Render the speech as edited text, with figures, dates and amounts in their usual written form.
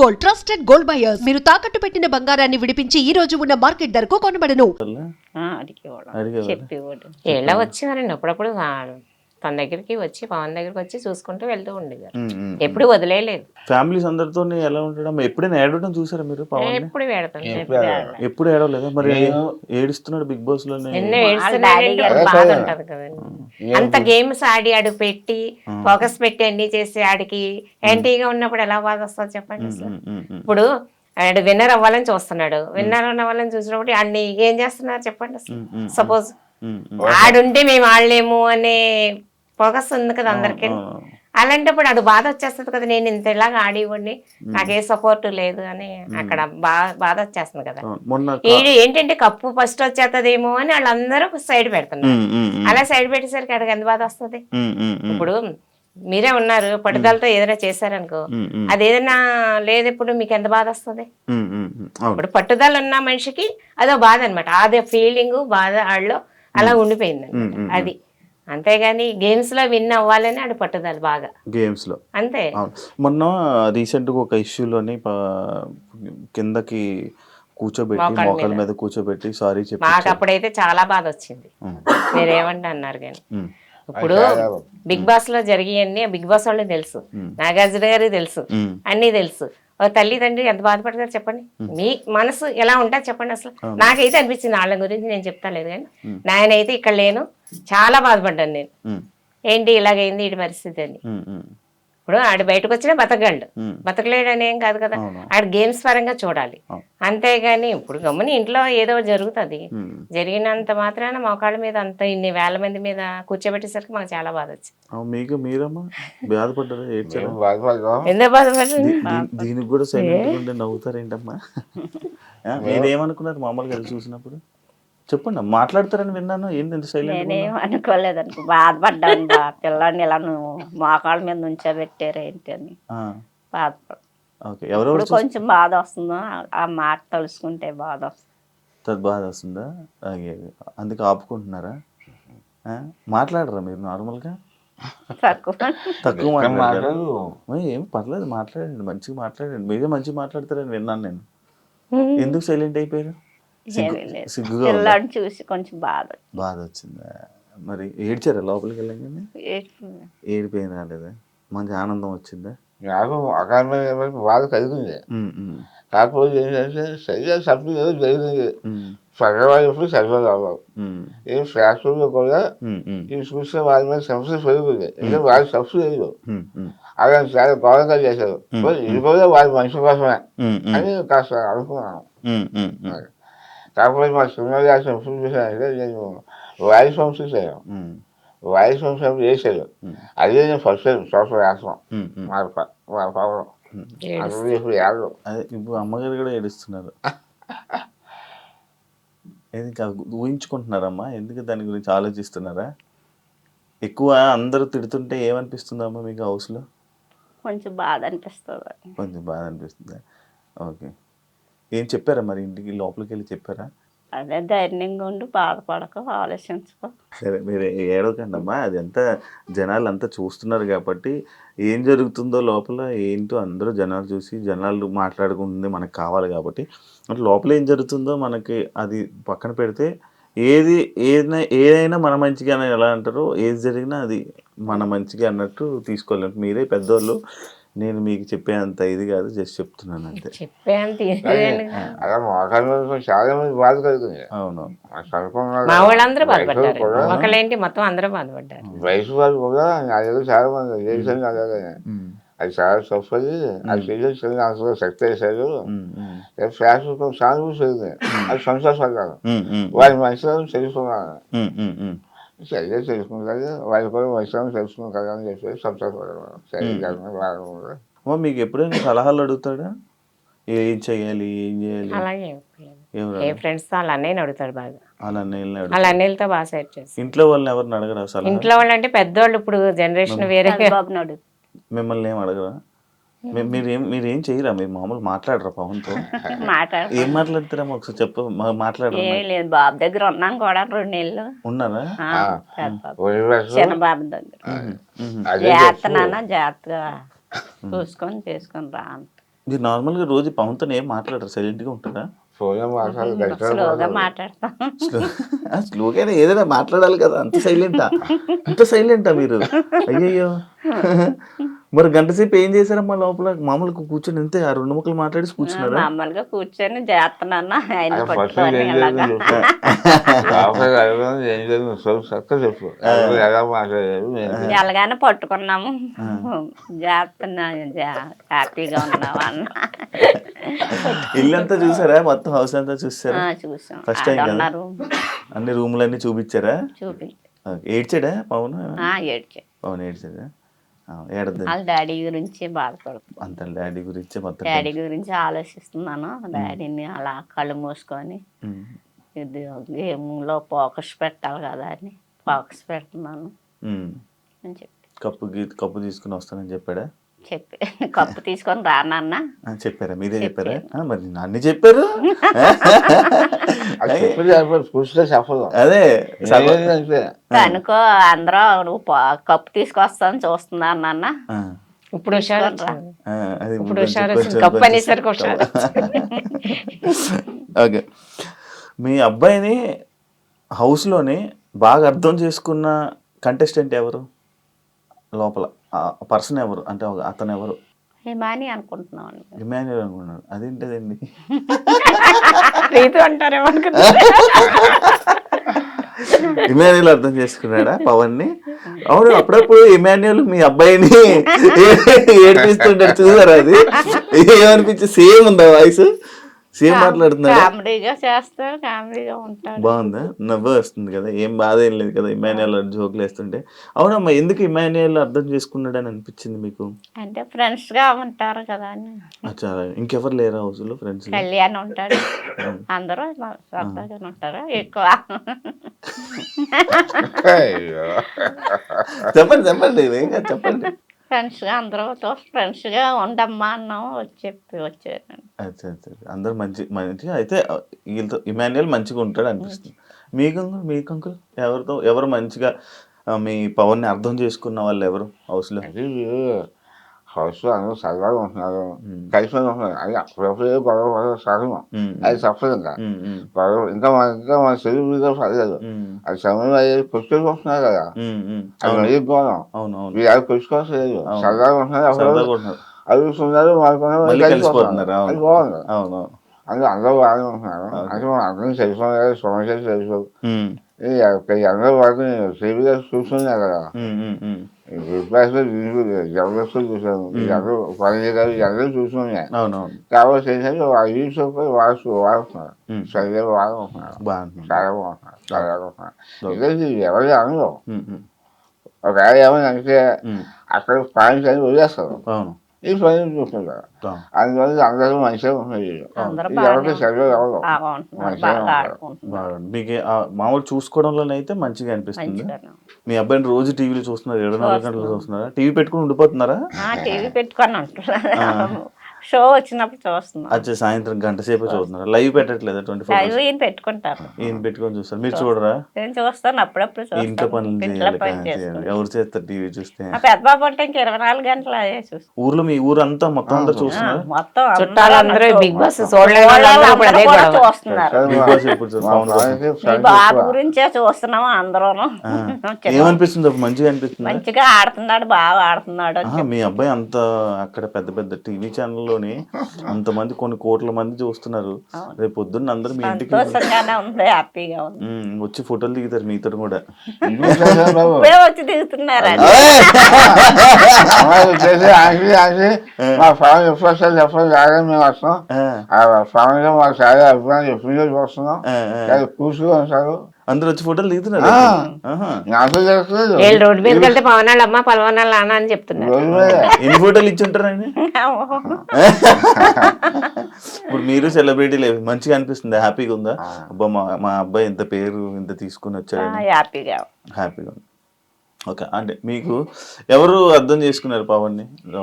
Gold, trusted gold buyers. మీరు తాకట్టు పెట్టిన బంగారాన్ని విడిపించి ఈ రోజు ఉన్న మార్కెట్ ధరకు కొనబడను. అడిగేవాడు చెప్పేవాడు. ఎలా వచ్చేవారండి అప్పుడప్పుడు తన దగ్గరికి వచ్చి పవన్ దగ్గరికి వచ్చి చూసుకుంటూ వెళ్తూ ఉండేవారు. ఎప్పుడు వదిలేదు. ఫ్యామిలీస్ అందరితో ఎలా ఉంటాడు? ఎప్పుడైనా ఏడవడం చూసారా మీరు? పవన్ ఎప్పుడు పెడతాను ఎప్పుడు ఏడవలేదా? మరి ఏడుస్తున్నాడు బిగ్ బాస్ లో. ఎన్నో బాధ ఉంటది కదండి. అంత గేమ్స్ ఆడి ఆడు పెట్టి ఫోకస్ పెట్టి అన్ని చేసి ఆడికి యాంటీగా ఉన్నప్పుడు ఎలా బాధ వస్తుంది చెప్పండి అసలు. ఇప్పుడు ఆడు విన్నర్ అవ్వాలని చూస్తున్నాడు. విన్నర్ అవ్వాలని చూసినప్పుడు ఆడిని ఏం చేస్తున్నారు చెప్పండి అసలు. సపోజ్ ఆడుంటే మేము ఆడలేము అనే ఫోకస్ ఉంది కదా అందరికి. అలాంటప్పుడు అది బాధ వచ్చేస్తుంది కదా, నేను ఇంత ఇలాగా ఆడివ్వండి నాకు ఏ సపోర్ట్ లేదు అని అక్కడ బాధ వచ్చేస్తుంది కదా. ఏంటంటే కప్పు ఫస్ట్ వచ్చేస్తుందేమో అని వాళ్ళందరూ సైడ్ పెడుతున్నారు. అలా సైడ్ పెట్టేసరికి అక్కడికి ఎంత బాధ వస్తుంది. ఇప్పుడు మీరే ఉన్నారు, పట్టుదలతో ఏదైనా చేశారనుకో, అది ఏదైనా లేదు ఇప్పుడు మీకు ఎంత బాధ వస్తుంది. ఇప్పుడు పట్టుదల ఉన్న మనిషికి అదో బాధ అనమాట. అదే ఫీలింగ్ బాధ ఆడలో అలా ఉండిపోయింది అనమాట. అది అంతేగాని గేమ్స్ లో విన్ అవ్వాలని ఆడు పట్టుదల బాగా గేమ్స్ లో అంతే. మొన్న రీసెంట్ గా ఒక ఇష్యూలోని కిందకి కూర్చోబెట్టి మోకాల మీద కూర్చోబెట్టి సారీ చెప్పి మాకు అప్పుడైతే చాలా బాధ వచ్చింది. మీరేమంటే అన్నారు కానీ ఇప్పుడు బిగ్ బాస్ లో జరిగాయన్నీ బిగ్ బాస్ వాళ్ళకి తెలుసు, నాగార్జున గారికి తెలుసు, అన్ని తెలుసు. తల్లి తండ్రి ఎంత బాధపడతారు చెప్పండి. మీ మనసు ఎలా ఉంటుంది చెప్పండి అసలు. నాకైతే అనిపించింది వాళ్ళ గురించి నేను చెప్తా లేదు కానీ నాయనైతే ఇక్కడ లేను, చాలా బాధపడ్డాను నేను. ఏంటి ఇలాగైంది ఈ పరిస్థితి అని. ఇప్పుడు ఆడు బయటకు వచ్చినా బతకగలడు, బతకలేడని ఏం కాదు కదా. ఆడు గేమ్స్ పరంగా చూడాలి అంతేగాని ఇప్పుడు గమ్ముని ఇంట్లో ఏదో జరుగుతుంది. జరిగినంత మాత్రాన మోకాళ్ళ మీద అంత ఇన్ని వేల మంది మీద కూర్చోబెట్టేసరికి మాకు చాలా బాధ వచ్చింది. మీకు మీరమ్మా బాధపడ్డారా? ఎందుకు బాధపడ్డారు? దీనికి కూడా సైలెంట్ నవ్వుతారు ఏంటమ్మా? మీరేమనుకున్నారు మామూలుగా చూసినప్పుడు? చెప్పండి, మాట్లాడతారని విన్నాను. ఏంటి సైలెంట్? నేనేం అనుకోలేదు అనుకో, బాధపడ్డాను. పిల్లాడిని ఇలా నువ్వు మోకాళ్ళ మీద నుంచోబెట్టారు ఏంటి అని బాధపడ్డా. కొంచెం బాధ వస్తుందో ఆ మాట తలుసుకుంటే బాధ వస్తుంది. బాధ వస్తుందా? అందుకే ఆపుకుంటున్నారా? మాట్లాడరా మీరు నార్మల్గా? తక్కువ మాట్లాడారు. ఏం పర్లేదు, మాట్లాడండి, మంచిగా మాట్లాడండి. మీరే మంచిగా మాట్లాడతారని విన్నాను నేను. ఎందుకు సైలెంట్ అయిపోయారు? సిగ్గుగా చూసి కొంచెం బాధ వచ్చిందా? మరి ఏడ్చారా లోపలికి వెళ్ళగానే? ఏడిపోయిన రాలేదా? మంచి ఆనందం వచ్చిందా? నాకు అకారణమైన బాధ కలిగింది. కాకపోతే ఏంటంటే సరిగా సభ్యులు ఏదో జరిగింది. సగవాళ్ళు ఎప్పుడు సగవాళ్ళు అవ్వవు. ఈ శాస్త్రంలో కూడా ఇవి చూస్తే వాళ్ళ మీద సమస్య పెరుగుతుంది. ఎందుకంటే వాళ్ళ సబ్సిడీ లేదు. అలా చాలా గౌరవంగా చేశారు. ఇది కూడా వాళ్ళ మనిషి కోసమే అని కాస్త అనుకున్నాను. కాకపోతే మా సినిమా రాసిన ఎప్పుడు చూసానంటే నేను వాయిస్ వంశ చేయాను. వాయిస్ వంశం చేశాడు. అదే నేను ఫస్ట్ టైం సోషల్ రాస్తాం వాళ్ళ పవన్. ఇప్పుడు ఏడు. ఇప్పుడు అమ్మగారు కూడా ఏడుస్తున్నారు. ఊహించుకుంటున్నారమ్మా? ఎందుకు దాని గురించి ఆలోచిస్తున్నారా? ఎక్కువ అందరూ తిడుతుంటే ఏమనిపిస్తుందమ్మా మీకు హౌస్లో? కొంచెం బాధ అనిపిస్తుంది. కొంచెం బాధ అనిపిస్తుందా? ఓకే. ఏం చెప్పారా మరి ఇంటికి లోపలికి వెళ్ళి చెప్పారా? అదే ధైర్యంగా ఉండి బాధపడక ఆలోచించుకో. సరే, మీరు ఏడవకండి అమ్మా. అది అంతా జనాలు అంతా చూస్తున్నారు కాబట్టి ఏం జరుగుతుందో లోపల ఏంటో అందరూ జనాలు చూసి జనాలు మాట్లాడుకుంటుంది మనకు కావాలి కాబట్టి అంటే లోపల ఏం జరుగుతుందో మనకి అది పక్కన పెడితే ఏదైనా మన మంచిగా అని ఎలా అంటారో ఏది జరిగినా అది మన మంచిగా అన్నట్టు తీసుకోలేము. మీరే పెద్దోళ్ళు, నేను మీకు చెప్పేంత ఇది కాదు, జస్ట్ చెప్తున్నాను అంతే. అలా మోకాళ్ళ చాలా మంది బాధ కలుగుతుంది. అవును, మా వాళ్ళందరూ బాధపడ్డారు. ఒకళ్ళేంటి మొత్తం అందరూ బాధపడ్డారు. వయసు వాళ్ళు కూడా అదేదో చాలా మంది చేశాను. అలాగే అది చాలా తప్పది. అది చేసేసి అందులో శక్తి వేశారు. ఫ్యాషన్ సానుభూతి జరిగింది. అది సంతోషపడ్డాను. వారి మనుషులను తెలుసుకున్నాను. సరిగ్గా తెలుసుకుంటారు. వాళ్ళు కూడా మనుషులను తెలుసుకున్నాను కదా అని చెప్పేసి సంతోషపడ్డాను. సరిగ్గా మీకు ఎప్పుడైనా సలహాలు అడుగుతాడా? ఏం చెయ్యాలి, ఏం చేయాలి? అలాగే ఏ ఫ్రెండ్స్ తో వాళ్ళ అన్నయ్యని అడుగుతాడు బాగా. వాళ్ళ అన్నయ్యలతో బాగా సెట్ చేసి. ఇంట్లో వాళ్ళని ఎవరిని అడగరా సలహా? ఇంట్లో వాళ్ళు అంటే పెద్దవాళ్ళు, ఇప్పుడు జనరేషన్ వేరే. మిమ్మల్ని ఏం అడగరా? మీరేం చెయ్యరా? మీరు మామూలు మాట్లాడరా పవన్తో? ఏం మాట్లాడతారమ్మా ఒకసారి చెప్ప మాట్లాడరా? లేదు, బాబు దగ్గర ఉన్నాను కూడా 2 నెలలు ఉన్నారా? చిన్న బాబు దగ్గర. జాగ్రత్త నాన్న, జాగ్రత్తగా చూసుకొని చేసుకొని రా అంట. మీరు నార్మల్గా రోజు పవన్తో ఏం మాట్లాడరు, సైలెంట్గా ఉంటారా? ఫోన్ మాట్లాడు స్లోగా మాట్లాడతాం. స్లోగానే ఏదైనా మాట్లాడాలి కదా, అంత సైలెంటా మీరు? అయ్యయ్యో. మరి గంట సేపు ఏం చేశారమ్మా లోపల? మామూలుగా కూర్చొని అంతే ఆ 2 ముక్కలు మాట్లాడి కూర్చున్నారా? మామూలుగా కూర్చొని చేస్తున్నాను ఆయన ఫస్ట్ పట్టుకొని ఏం ఇలాగా. చెప్పు ఎలా మాట్లాడారు ఎలాగానే పట్టుకున్నాము, చేస్తున్నా, హ్యాపీగా ఉన్నాము అన్న. ఇల్లంతా చూసారా? మొత్తం హౌస్ అంతా చూసారా? చూసాం. ఫస్ట్ టైం కదా? ఉన్నారు, అన్ని రూములన్నీ చూపించారా? చూపి ఏడ్చాడా పవన్? ఏడ్చా. పవన్ ఏడ్చాడా? ఏడద్దు వాళ్ళ డాడీ గురించి బాధపడుతుంది. అంత డాడీ గురించి మొత్తం. డాడీ గురించి ఆలోచిస్తున్నాను. డాడీని అలా కళ్ళు మూసుకొని ఇది గేమ్లో ఫోకస్ పెట్టాలి కదా అని ఫోకస్ పెడుతున్నాను అని కప్పు తీసుకుని వస్తానని చెప్పాడా? చెప్పి కప్పు తీసుకొని రానన్నా చెప్పారా? మీరే చెప్పారా? మరి అన్ని చెప్పారు. కూర్చుంటే చెప్పదు. అదే అనుకో అందరూ నువ్వు కప్పు తీసుకొస్తాను చూస్తున్నాను నాన్న. ఇప్పుడు హుషారు అది ఇప్పుడు హుషారు కప్పు అనేసరికి హుషారు. ఓకే, మీ అబ్బాయిని హౌస్లోని బాగా అర్థం చేసుకున్న కంటెస్టెంట్ ఎవరు? లోపల పర్సన్ ఎవరు అంటే అతను ఎవరు? హిమాని అనుకుంటున్నాను. ఇమాన్యుయల్ అనుకున్నాడు. అదేంటదండి? రీతు అంటారేమో అనుకున్నా. ఇమాన్యుయల్ అర్థం చేసుకున్నాడా పవన్ ని? అవును, అప్పుడప్పుడు ఇమాన్యుయల్ మీ అబ్బాయిని ఏడిపిస్తుంటాడు, చూసారా? అది ఏమనిపించి సేమ్ ఉందా వాయిస్? సేమ్ మాట్లాడుతున్నాడు. కామెడీగా చేస్తాడు, కామెడీగా ఉంటాడు. బాగుందా? నవ్వు వస్తుంది కదా, ఏం బాధ ఏం లేదు కదా ఇమాన్యుయల్ జోకులు వేస్తుంటే? అవునమ్మా, ఎందుకు ఇమాన్యుయల్ అర్థం చేసుకున్నాడు అని అనిపించింది మీకు? అంటే ఫ్రెండ్స్ గా ఉంటారు కదా అని. చాలా ఇంకెవరు లేరా హౌస్ లో ఫ్రెండ్స్? కళ్యాణ్ ఉంటాడు, అందరూ సరదాగా ఉంటారు ఎక్కువ. చెప్పండి ఏం కాదు, చెప్పండి. ఫ్రెండ్స్ గా అందరితో ఫ్రెండ్స్ గా ఉండమ్మా అన్నాము, వచ్చాను. అచ్చా, అందరు మంచిగా అయితే వీళ్ళతో ఇమాన్యుయల్ మంచిగా ఉంటాడు అనిపిస్తుంది. మీకు అంకుల్ ఎవరు మంచిగా మీ పవన్ ని అర్థం చేసుకున్న వాళ్ళు ఎవరు హౌస్ లో? హౌస్ లో అందరూ సరదాగా ఉంటున్నారు, కలిసి ఉంటున్నారు. అది అప్పుడప్పుడు గొడవ సహజం, అది తప్పదు. గొడవ ఇంకా మన తెలుగు పర్లేదు. అది సమయంలో అయ్యేది కొట్టుకుంటున్నారు కదా, అది మరీ గౌరవం. మీరు అది కొట్టుకోవట్లేదు, సరదాగా ఉంటున్నారు, అడుగుతున్నారు, కలిసిపోతున్నారు. అది బాగుంది. అందరూ బాగానే ఉంటున్నారు. అంటే మనం అందరం తెలుసుకోవాలి, సమస్యలు తెలుసుకోవాలి. అందరూ వాటిని టీవీగా చూస్తున్నారు కదా, జబర్దస్త్ చూసాను, పని గారు అందరూ చూస్తున్నాయి. కాబట్టి ఏంటంటే యూట్యూబ్ వాడుతున్నారు, సరిగ్గా వాడుకుంటున్నారు, చాలా బాగుంటున్నారు, చాలా బాగుంటున్నారు. ఇది ఎవరి అనరు. ఒక ఏమైనా అంటే అక్కడ పాయింట్స్ అని వదిలేస్తారు, ఈ పని చూస్తుంటారు. అందువల్ల అందరూ మంచిగా ఉంటున్నారు. ఎవరికి సరిగ్గా ఎవరు మీకు మామూలు చూసుకోవడంలోనైతే మంచిగా అనిపిస్తుంది. మీ అబ్బాయిని రోజు టీవీలో చూస్తున్నారు, 24 గంటలు చూస్తున్నారా? టీవీ పెట్టుకుని ఉండిపోతున్నారా? టీవీ పెట్టుకొని ఉంటున్నారు, షో వచ్చినప్పుడు చూస్తున్నారు. అచ్చా, సాయంత్రం గంట సేపు చూస్తున్నారా? లైవ్ పెట్టట్లేదా? 24 ఈయన పెట్టుకుంటారు, ఈయన పెట్టుకొని చూస్తారు, మీరు చూడరా? నేను చూస్తాను, అప్పుడప్పుడు ఇంట్లో పనులు చేయాలి, ఎవరు చేస్తారు టీవీ చూస్తే? పెద్ద బాబు అంటే ఇంక 24 గంటలు అదే చూస్తాను. ఊర్లో మీ ఊరంతా మొత్తం అందరూ చూస్తున్నారు, మొత్తం చుట్టాలందరూ బిగ్ బాస్ చూస్తున్నారు. చూస్తున్నారు. బాబు గురించే చూస్తున్నాము అందరూ. ఏమనిపిస్తుంది అప్పుడు? మంచిగా అనిపిస్తుంది, మంచిగా ఆడుతున్నాడు, బాగా ఆడుతున్నాడు. మీ అబ్బాయి అంత అక్కడ పెద్ద పెద్ద టీవీ ఛానల్లోని అంతమంది కొన్ని కోట్ల మంది చూస్తున్నారు. రేపు పొద్దున్న అందరూ మీ ఇంటికి హ్యాపీగా ఉంది, వచ్చి ఫోటోలు దిగుతారు మీతో కూడా. వచ్చి దిగుతున్నారు. మా ఫ్యామిలీ ఎప్పుడు వస్తారు చెప్పండి, రాగానే మేము వస్తాం. ఫ్యామిలీలో మాకు చాలా అభిప్రాయం ఎప్పుడు వస్తున్నాం, కూర్చుని వస్తారు, అందరూ వచ్చి ఫోటోలు దిగుతున్నారు. నాకు తెలుస్తుంది. రోడ్డు మీదకి వెళ్తే పవన్ వాళ్ళ అమ్మ పలవన్ వాళ్ళ నాన్న అని చెప్తున్నారు. ఎన్ని ఫోటోలు ఇచ్చి ఉంటారండి? ఇప్పుడు మీరు సెలబ్రిటీ లేదు, మంచిగా అనిపిస్తుంది, హ్యాపీగా ఉందా? అబ్బా మా అబ్బాయి ఇంత పేరు ఇంత తీసుకుని వచ్చాడు, హ్యాపీగా ఉంది. ఓకే, అంటే మీకు ఎవరు అర్థం చేసుకున్నారు పవన్ ని?